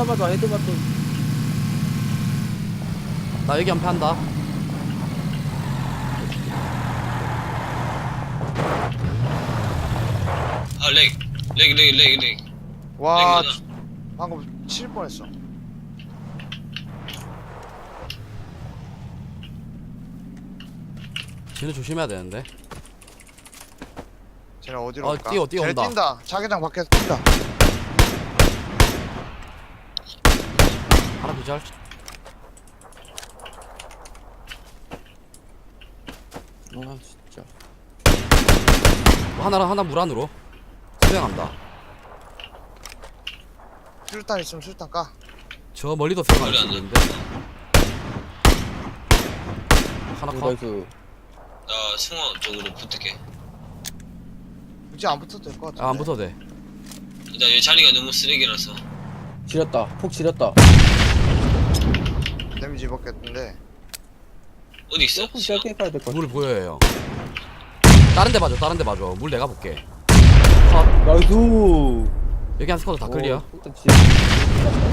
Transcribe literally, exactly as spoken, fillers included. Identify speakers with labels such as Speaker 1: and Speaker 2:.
Speaker 1: 쳐다봐도 헤드봐도.
Speaker 2: 나 여기 연패한다.
Speaker 3: 아 렉. 렉 렉 렉 렉.
Speaker 4: 와
Speaker 3: 렉
Speaker 4: 지- 방금 칠 뻔했어.
Speaker 2: 쟤는 조심해야 되는데.
Speaker 4: 쟤네 어디로
Speaker 2: 어,
Speaker 4: 갈까?
Speaker 2: 뛰어, 뛰어
Speaker 4: 쟤네
Speaker 2: 온다.
Speaker 4: 뛴다. 자기장 밖에서 뛴다.
Speaker 2: 하나 기절.
Speaker 1: 아 진짜.
Speaker 2: 하나 하나 물 안으로 수영한다.
Speaker 4: 수류탄 있으면 수류탄 까.
Speaker 2: 저 멀리도 수영할
Speaker 3: 머리
Speaker 2: 수
Speaker 3: 안 나.
Speaker 2: 있는데. 하나 컷.
Speaker 1: 나이스.
Speaker 3: 나 승원 쪽으로 붙을게.
Speaker 4: 굳이 안 붙어도 될 것 같은데.
Speaker 2: 아, 안 붙어도 돼.
Speaker 3: 일단 여기 자리가 너무 쓰레기라서.
Speaker 1: 지렸다. 폭 지렸다.
Speaker 4: 데미지 입었겠는데.
Speaker 3: 어디 있어?
Speaker 1: 조금 짧게 가야 될 것 같아.
Speaker 2: 물 보여요. 다른 데 봐줘. 다른 데 봐줘. 물 내가 볼게. 컷.
Speaker 1: 나이스.
Speaker 2: 여기 한 스쿼드 다 클리어.
Speaker 1: 어, 일단 지-